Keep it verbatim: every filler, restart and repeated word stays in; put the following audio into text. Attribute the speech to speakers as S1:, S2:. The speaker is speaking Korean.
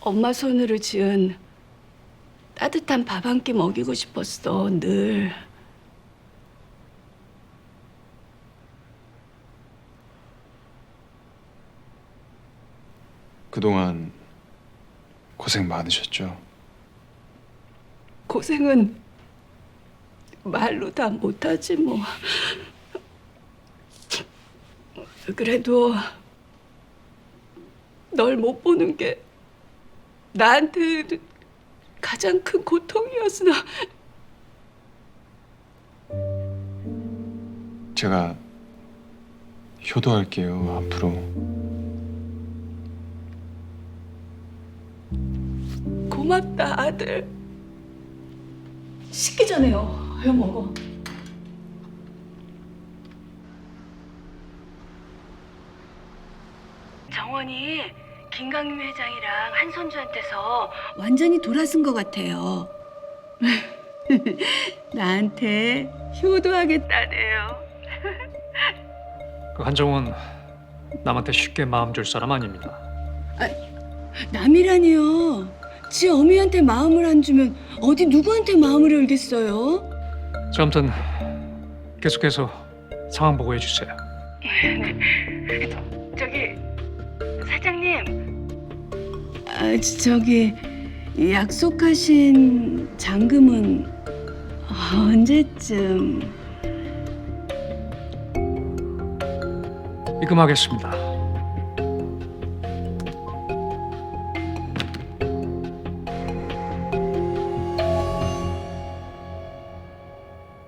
S1: 엄마 손으로 지은 따뜻한 밥 한 끼 먹이고 싶었어, 늘.
S2: 그동안 고생 많으셨죠?
S1: 고생은 말로 다 못하지 뭐. 그래도 널 못 보는 게 나한테 가장 큰 고통이었어.
S2: 제가 효도할게요, 앞으로.
S1: 고맙다, 아들. 식기 전에요. 왜 먹어? 정원이 김강림 회장이랑 한선주한테서 완전히 돌아선 것 같아요. 나한테 효도하겠다네요.
S3: 그 한정훈 남한테 쉽게 마음 줄 사람 아닙니다.
S1: 남이라니요. 지 어미한테 마음을 안 주면 어디 누구한테 마음을 열겠어요?
S3: 자, 아무튼 계속해서 상황 보고해 주세요.
S1: 저기 사장님. 아, 저기 약속하신 잔금은 언제쯤?
S3: 입금하겠습니다.